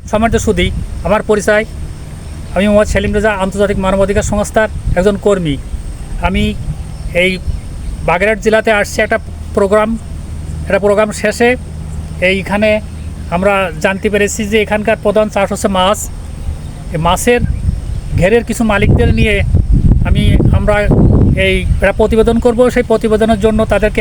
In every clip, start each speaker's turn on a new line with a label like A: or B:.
A: সম্মানিত সুধী, আমার পরিচয়, আমি মোহাম্মদ সেলিম রেজা, আন্তর্জাতিক মানবাধিকার সংস্থার একজন কর্মী। আমি এই বাগেরহাট জেলাতে আসছি একটা প্রোগ্রাম শেষে এইখানে আমরা জানতে পেরেছি যে এখানকার প্রধান চাষ হচ্ছে মাছ। এই মাছের ঘেরের কিছু মালিকদের নিয়ে আমরা একটা প্রতিবেদন করব। সেই প্রতিবেদনের জন্য তাদেরকে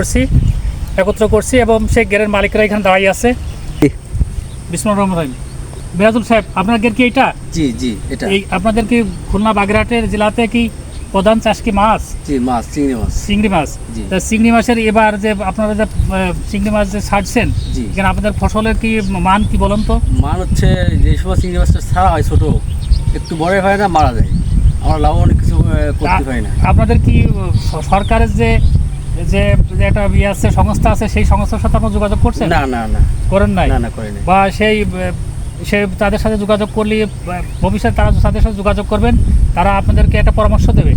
A: একত্র করছি এবং সেই ঘেরের মালিকরা এখানে দাঁড়িয়ে আছে। বিসমিল্লাহির রহমানির রহিম। মিরাজুল সাহেব, আপনার ঘের কি এটা?
B: জি জি, এটা
A: আপনাদের কি খুলনা বাগেরহাটের জেলাতে কি প্রধান চাষ কি মাছ?
B: জি, মাছ,
A: চিংড়ি মাছ।
B: জি।
A: তা চিংড়ি মাছের এবার যে আপনারা যে চিংড়ি মাছ যে ছাড়ছেন,
B: জি,
A: এখানে আপনাদের ফসলের কি মান কি বলুন তো?
B: মান হচ্ছে যে সময় চিংড়ি মাছটা ছাড়া হয় ছোট, একটু বড় হয় না, মারা যায়। আমরা লাভ অনেক কিছু করতে পারি না।
A: আপনাদের কি সরকারের যে একটা আছে সংস্থা আছে, সেই সংস্থার সাথে আপনারা যোগাযোগ করছেন?
B: না না না,
A: করেন নাই?
B: না না, করি না।
A: বা সে তাদের সাথে যোগাযোগ করলে ভবিষ্যতে তারা তাদের সাথে যোগাযোগ করবেন, তারা আপনাদেরকে একটা পরামর্শ দেবে।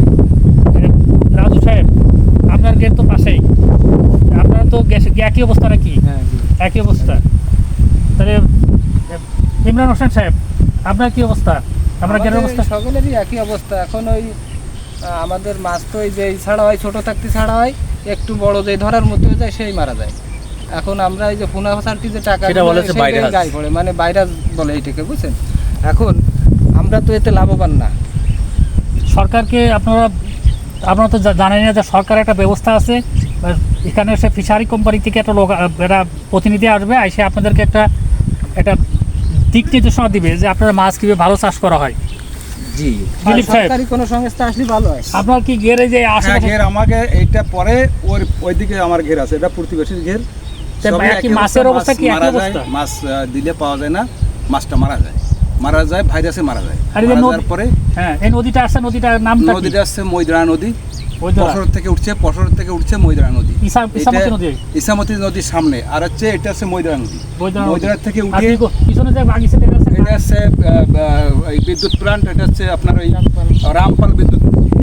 A: রাজু সাহেব, আপনার গেট তো পাশেই, আপনারা তো একই অবস্থা নাকি? একই অবস্থা। তাহলে ইমরান হোসেন সাহেব, আপনার কি অবস্থা? আমরা গেটের অবস্থা
C: সকলেরই একই অবস্থা। এখন ওই আমাদের মাছ তো ওই যে ছাড়া হয়, ছোট থাকতে ছাড়া হয়, একটু বড় যে ধরার মধ্যে হয়ে যায় সেই মারা যায়। এখন আমরা এই যে ফোনা ফাসালটি যে টাকা গায়ে পড়ে, মানে ভাইরাস বলে এইটাকে, বুঝছেন? এখন আমরা তো এতে লাভবান না।
A: সরকারকে আপনারা তো জানেন না যে সরকার একটা ব্যবস্থা আছে, এখানে সে ফিশারি কোম্পানি থেকে একটা প্রতিনিধি আসবে, এসে আপনাদেরকে একটা দিক নির্দেশনা দিবে যে আপনারা মাছ কীভাবে ভালো চাষ করা হয়।
B: জি,
C: সরকারি কোনো সংস্থা আসলে ভালো হয়।
A: আপনার কি ঘেরে যে
D: ঘের আমাকে এইটা পরে ওইদিকে আমার ঘের আছে, এটা প্রতিবেশীর ঘের।
A: মাছের অবস্থা কি একই অবস্থা?
D: মাছ দিলে পাওয়া যায় না, মাছটা মারা যায়, ভাইরাসে মারা যায়। তারপরে
A: হ্যাঁ, এই নদীটা আসছে, নদীটার নামটা কি?
D: নদীটা আসছে মৈদরা নদী। পশর থেকে উঠছে মৈদরা নদী। ইসামতি নদীর সামনে, আর হচ্ছে এটা হচ্ছে মৈদরা নদী। মৈদরা থেকে উঠে
A: পিছনে যে বাগিচা
D: এটা হচ্ছে বিদ্যুৎ প্লান্ট, এটা হচ্ছে আপনার ওই রামপাল বিদ্যুৎ